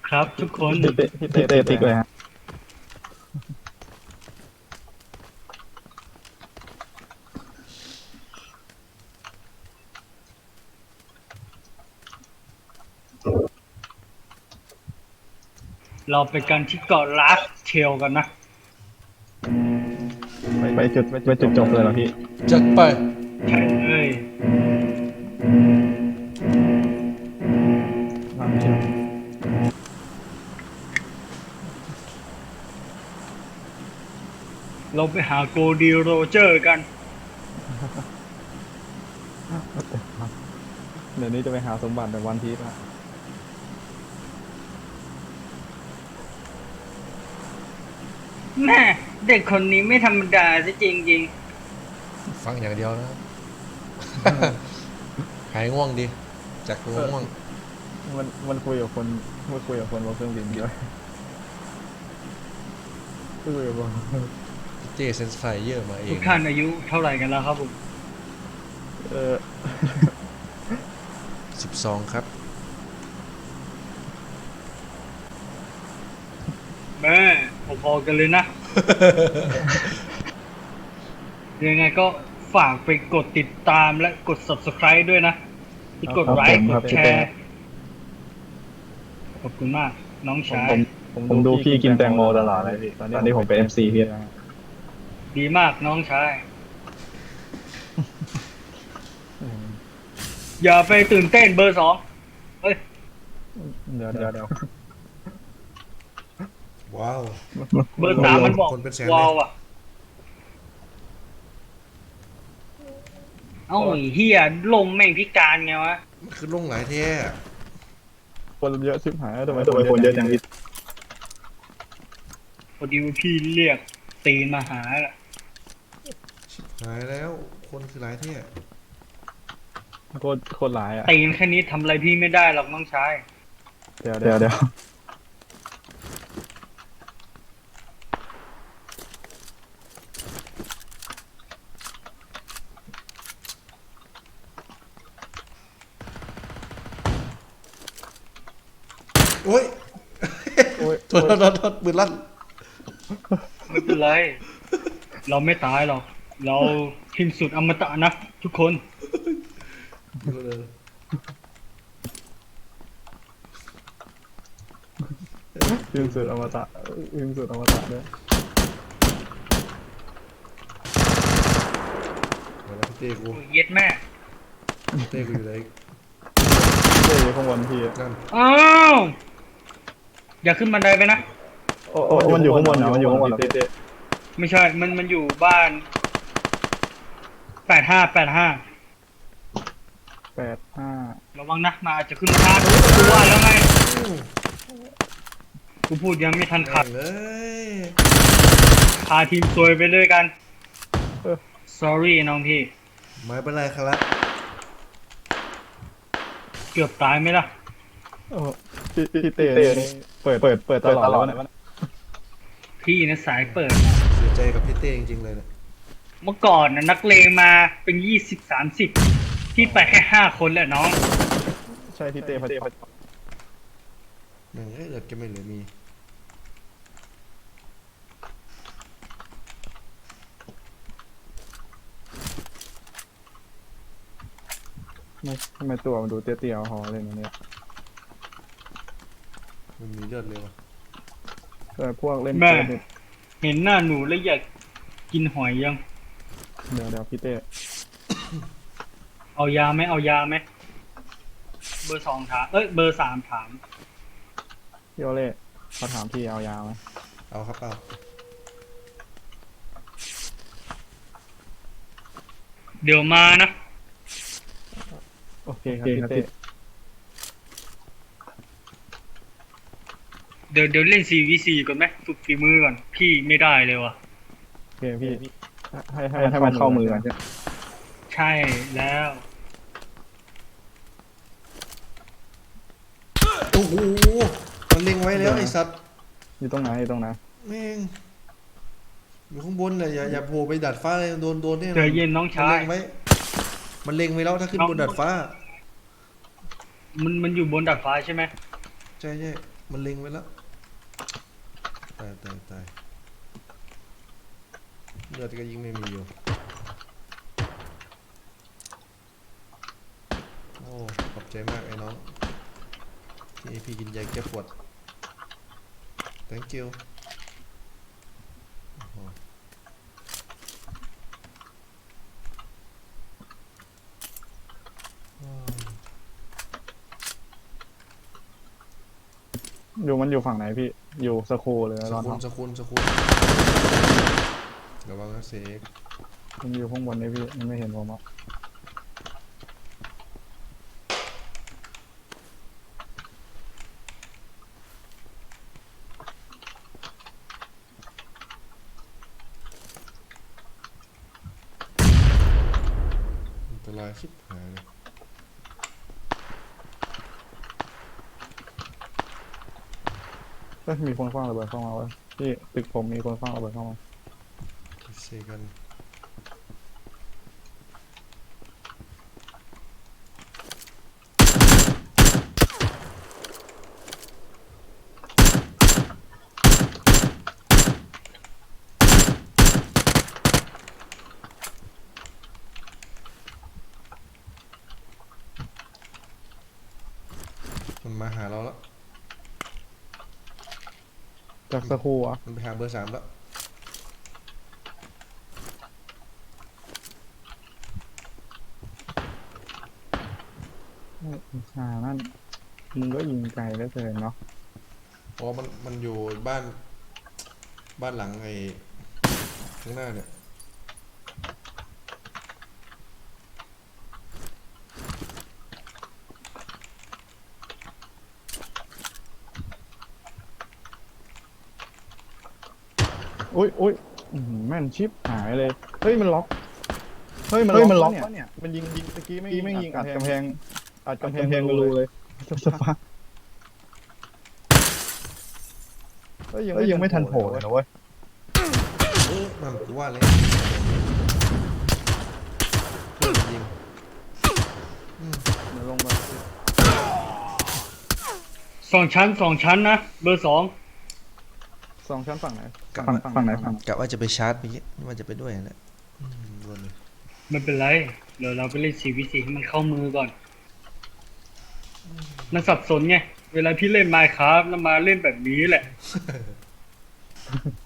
ครับทุกคนพี่เต้ติ๊กเลยฮะเราไปกันที่เกาะลาสเทลกันนะไปจุดจบเลยเหรอพี่จัดไปใช่เลยวางเชียวเราไปหาโกดีโรเจอร์กันเดี๋ยวนี้จะไปหาสมบัติแบบวันพีซละแม่เด็กคนนี้ไม่ธรรมดาซะจริงฟังอย่างเดียวนะ หายง่วงดีจากง่วงมันคุยกับคนบนเครื่องบินด้วยคุยกับคนเจเซนส์ไฟเยอร์มาเอๆทุงกท่านอายุเท่าไหร่กันแล้วครับผมเออ 12ครับแม่พอๆกันเลยนะ ยังไงก็ฝากไปกดติดตามและกด subscribe ด้วยนะที่กดไลค์กดแชร์ขอบคุณมากน้องชายผมดูพี่กินแตงโมตลอดเลยพี่ตอนนี้ผมเป็นMCพี่นะดีมากน้องชาย อย่าไปตื่นเต้นเบอร์สองเฮ้ยเดี๋ยวว้าวเบอร์สามมันบอกคนเป็นแสนเลยวาวอ่ะ เอ้าไอ้เฮียลมแม่งพิการไงวะมันคือลงหลายแท้คนเยอะชิบหายทำไมคนเยอะจังพี่พอดีว่าพี่เรียกตีนมาหาแหละหายแล้วคนคือหลายแท้โคตรหลายอ่ะตีนแค่นี้ทำอะไรพี่ไม่ได้หรอกน้องชายเดี๋ยวโอ้ยโอ้ยโทษปืนลั่นไม่เป็นไร เราไม่ตายหรอก เราพิมพ์สุดอมตะนะทุกคนยิงสุดอมตะยิงสุดอมตะด้วยมาแล้วพี่เต้กูโอ้ยเย็ดแม่เต้กูอยู่ไหนเต้อยู่ข้างบนพี่นั่นอ้าวอย่าขึ้นบันไดไปนะโอ้มันอยู่ข้างบนเหรอมันอยู่ข้างบนเหรอพี่เต้ไม่ใช่ มันอยู่บ้าน85ระวังนะมาอาจจะขึ้นมาทางกูว่าแล้วไงกูพูดยังไม่ทันขัดเลยพาทีมซวยไปด้วยกัน sorry น้องพี่ไม่เป็นไรครับเกือบตายไหมล่ะโอ้พี่เต้นี่เปิดตลอดแล้วนะพี่นะสายเปิดเสียใจกับพี่เต้จริงๆเลยเนี่ยเมื่อก่อนนะนักเลงมาเป็น20-30พี่ไปแค่5 คนแหละน้องใช่พี่เต้พอดีแม่งเอ้ยเลือดแกไม่เหลือมีทำไมตัวมันดูเตี้ยๆหอเลยนะเนี่ยมันมีเลือดเลยวะแต่พวกเล่นแม่เกมเนี่ยเห็นหน้าหนูแล้วอยากกินหอยยังเดี๋ยวพี่เต้เอายาไหมเอายาไหมเบอร์2ถามเบอร์3ถามพี่โอเล่เขาถามพี่เอายาไหมเอาครับเอาเดี๋ยวมานะโอเคครับพี่เต้เดี๋ยวเล่น 4v4 ก่อนไหมฝึกฝีมือก่อนพี่ไม่ได้เลยว่ะโอเคพี่ให้มันเข้ามือก่อนใช่ใช่แล้วโอ้โหมันเล็งไว้แล้วไอ้สัตว์อยู่ตรงไหนแม่งอยู่ข้างบนเลยอย่าโผล่ไปดัดฟ้าเลยโดนเนี่ยใจเย็นน้องชายมันเล็งไว้แล้วถ้าขึ้นบนดัดฟ้ามันอยู่บนดาดฟ้าใช่ไหมใช่มันเล็งไว้แล้วตายเลือดก็ยิงไม่มีอยู่โอ้ขอบใจมากไอ้น้องที่ให้พี่กินยาแก้ปวด thank you โอ้โหมันอยู่ฝั่งไหนพี่อยู่สคูลเลยสตอนกุลทำสกุลระวังนะเสกมันอยู่ข้างบนนี่พี่มันไม่เห็นผมอ่ะอันตรายชิบหายเลยมีคนคว้างระเบิดเข้ามาเว้ยพี่ตึกผมมีคนคว้างระเบิดเข้ามาเสกกันมันมาหาเราแล้วจากสคูลอ่ะมันไปหาเบอร์ 3แล้วนั่นมึงก็ยิงไกลได้เกินเนาะอ๋อมันอยู่บ้านหลังไอ้ข้างหน้าเนี่ยอุ้ยแม่นชิปหายเลยเฮ้ยมันล็อกมันล็อกเนี่ยมันยิงตะกี้ไม่ยิงอัดกำแพงก็รู้เลยสปายังไม่ทันโผล่เลยนะเว้ยมันกูว่าเลยเพื่อนยิงมันลงมาสองชั้นนะเบอร์ 2 2 ชั้นฝั่งไหนฝั่งไหนกะว่าจะไปชาร์จไปว่าจะไปด้วยแหละรวนเลยไม่เป็นไรเดี๋ยวเราไปเล่น4v4ให้มันเข้ามือก่อนมันสับสนไงเวลาพี่เล่น Minecraft แล้วมาเล่นแบบนี้แหละ